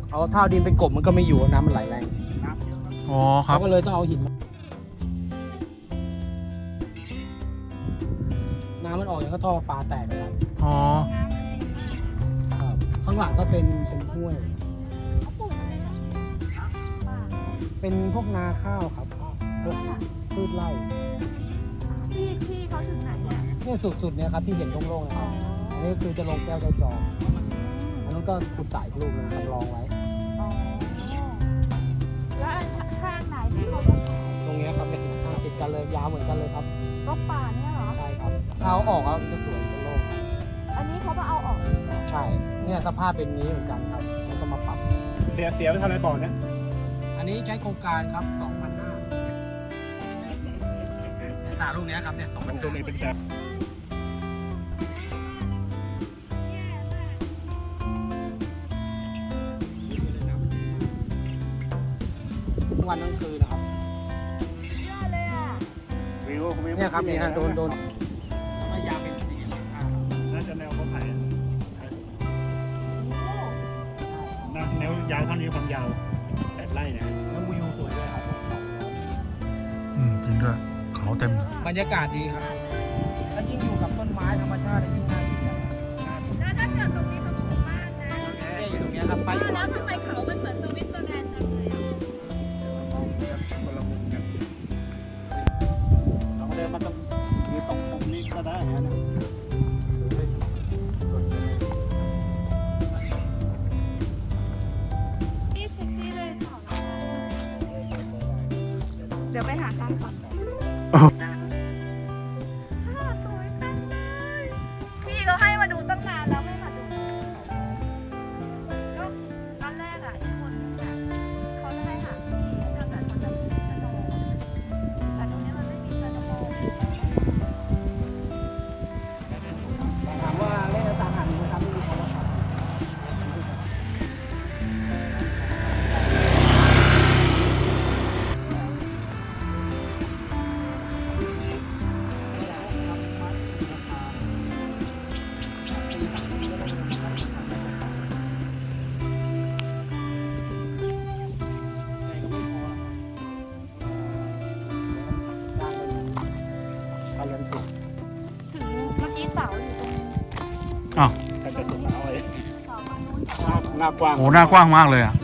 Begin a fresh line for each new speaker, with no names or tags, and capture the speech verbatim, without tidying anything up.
เอาเท้าดินไปกบมันก็ไม่อยู่น้ำมันไหลแรง
อ๋อครับ
เขาก็เลยต้องเอาหินน้ำมันออกอย่างก็ท่อปลาแตกนะครับ
อ๋อ
ครับข้างหลังก็เป็นเป็นห้วย
เขาปลูกอะไรนะป่า
เป็นพวกนาข้าวครับพวกพืชไร่
ที่ที่เขาถึงไหนเนี่ย
เนี่ยสุดๆเนี่ยครับที่เห็นโล่งๆนะค
อ๋
รั
อบ
อันนี้คือจะลงแก้วเจ้าจอมอันนั้นก็ขุดสายลูกเลยจำลองไว้
อ๋อแล้วข้างไหนที่เขาต้องขาย
ตรงเนี้ยครับเป็นนาติดกันเลยยาวเหมือนกันเลยครับ
ก็ป่าเนี่ยเหรอ
ใช่ครับเอาออกแล้วมันจะสวยเป็นโล่งครับ
อันนี้เขามาเอาออกอีกเหรอ
ใช่เนี่ยสภาพเป็นนี้เหมือนกันครับแล้วก็มาปรับ
เสียเสียไปทำอะไรบ่อเนี่ย
อันนี้ใช้โครงการครับสองพันห้าสาลูกเนี้ยครับเนี่ยสองพัน
ตัวนี้เป็นแบบ
วันทั้งคืนนะครับ
เยอะเลยอ่ะ
วิววิว
เนี่ยครับเนี่ยโดนโดนมายาเป็นสี
น่าจะแนวเขาไผ่
โอ้
แนวยาวเท่านี้ความยาวแปดไร่นะ
แล้ววิวสวยด้วยครับ
อืมจริงด้วยเขาเต็มเลย
บรรยากาศดีครับแล้วยิ่งอยู่กับต้นไม้ธรรมชาติยิ่งน่าอยู่
แล้วถ้าเกิดตรงนี้มันสูงมากนะ
เนี่ยอยู่ตรงเนี้ยครับไป
แล้วทำไมเขามันเหมือนสวิตเซอร์แลนด์จังเลยอ่ะ
คนละมุมกันเราเดินมาตรงนี้ตรงมุมนี้ก็ได้นะ
นี่เซ็กซี่เลยต่อเดี๋ยวไปหาทางก่อนสวยจังเลยพี่เขาให้มาดูตั้งนานแล้วไม่มาดูก็ตอนแรกอ่ะอีกคนนึงอ่ะเขาจะให้หาที่แต่แต่เขาจะมีชะโนดแต่ตรงนี้มันไม่มีชะโนด
ถามว่าเล่นตามหันนะครับไม่มีคนรับการเรียนถูก
ถึงเมื่อกี้เสาอยู่ตรง
อ้าว
แต่จะสุดเอาไว้
เสาตรงนู้น
หน้ากว้าง
โหหน้ากว้างมากเลยอ่ะ